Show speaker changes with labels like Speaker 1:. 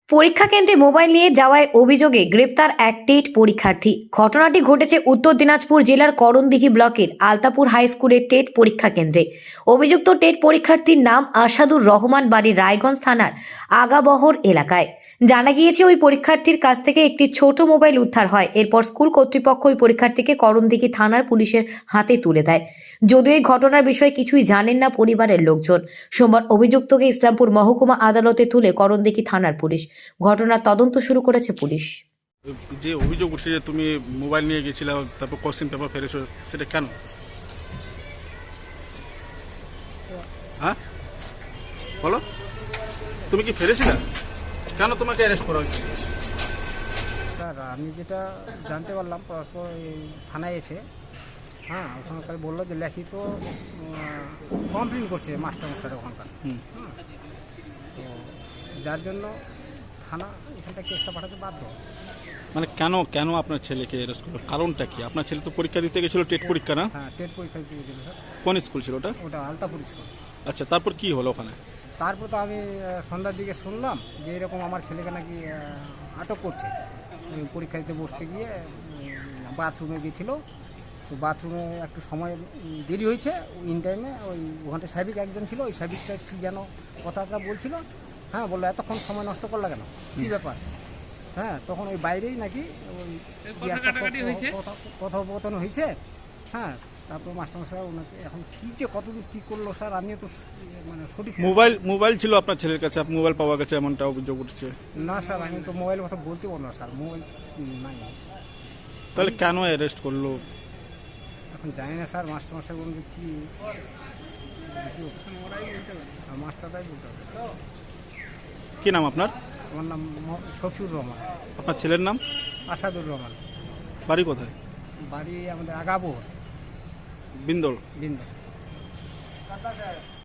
Speaker 1: পরীক্ষা কেন্দ্রে মোবাইল নিয়ে যাওয়ার অভিযোগে গ্রেপ্তার এক টেট পরীক্ষার্থী। ঘটনাটি ঘটেছে উত্তর দিনাজপুর জেলার করণদিঘি ব্লকের আলতাপুর হাই স্কুলের টেট পরীক্ষা কেন্দ্রে। অভিযুক্ত টেট পরীক্ষার্থীর নাম আসাদুর রহমান, বাড়ি রায়গঞ্জ থানার আগাবহর এলাকায়। জানা গিয়েছে ওই পরীক্ষার্থীর কাছ থেকে একটি ছোট মোবাইল উদ্ধার হয়। এরপর স্কুল কর্তৃপক্ষ ওই পরীক্ষার্থীকে করণদিঘি থানার পুলিশের হাতে তুলে দেয়। যদিও এই ঘটনার বিষয়ে কিছুই জানেন না পরিবারের লোকজন। সোমবার অভিযুক্তকে ইসলামপুর মহকুমা আদালতে তুলে করণদিঘি থানার পুলিশ। ঘটনার তদন্ত শুরু করেছে পুলিশ।
Speaker 2: যে অভিযোগ উঠছে যে তুমি মোবাইল নিয়ে গেছিলে, তারপর কোশ্চেন পেপার ফেলেছো, সেটা কেন? হ্যাঁ বলো, তুমি কি ফেলেছিলে? কেন তোমাকে অ্যারেস্ট করা হয়েছে?
Speaker 3: স্যার, আমি যেটা জানতে পারলাম পরস্পর এই থানায় এসে, ওখানকার বললো যে লিখিত কমপ্লেন করছে মাস্টারমশাই ওখানকার। তো যার জন্য থানা এখানটা কেসটা পাঠাতে বাধ্য।
Speaker 2: মানে কেন কেন আপনার ছেলেকে অ্যারেস্ট করলো? কারণটা কি? আপনার ছেলে তো পরীক্ষা দিতে গেছিল, টেট পরীক্ষা না?
Speaker 3: হ্যাঁ, টেট পরীক্ষা দিয়েছিল স্যার।
Speaker 2: কোন স্কুল ছিল ওটা?
Speaker 3: ওটা আলতাপুর স্কুল।
Speaker 2: আচ্ছা, তারপর কি হলো ওখানে?
Speaker 3: তারপর তো আমি সন্ধ্যার দিকে শুনলাম যে এরকম আমার ছেলেকে নাকি আটক করছে। পরীক্ষা দিতে বসতে গিয়ে বাথরুমে গিয়েছিল। তো বাথরুমে একটু সময় দেরি হয়েছে। ইন টাইমে ওখানটা সাহেবিক একজন ছিল, ওই সাহেবিকটা কী যেন কথাটা বলছিল। বললো এতক্ষণ সময় নষ্ট করলা কেন, কী ব্যাপার? তখন ওই বাইরেই নাকি ওই কথোপকথন হয়েছে। তারপর মাস্টারমশাই ওনাকে এখন কী যে কতদূর কী করলো স্যার, আমিও তো মানে সঠিক।
Speaker 2: মোবাইল ছিল আপনার ছেলের কাছে, মোবাইল পাওয়া গেছে এমনটা অভিযোগ উঠছে।
Speaker 3: না স্যার, আমি তো মোবাইলের কথা বলতে পারবো না স্যার, মোবাইল নাই।
Speaker 2: তাহলে কেন অ্যারেস্ট করলো?
Speaker 3: এখন জানি না স্যার, মাস্টারমশাই বলতে কী মাস্টারটাই বলতে হবে।
Speaker 2: কি নাম আপনার?
Speaker 3: আমার নাম শফিউর রহমান।
Speaker 2: আপনার ছেলের নাম?
Speaker 3: আসাদুর রহমান।
Speaker 2: বাড়ি কোথায়?
Speaker 3: বাড়ি আমাদের আগাবহর,
Speaker 2: বিন্দল।
Speaker 3: বিন্দু।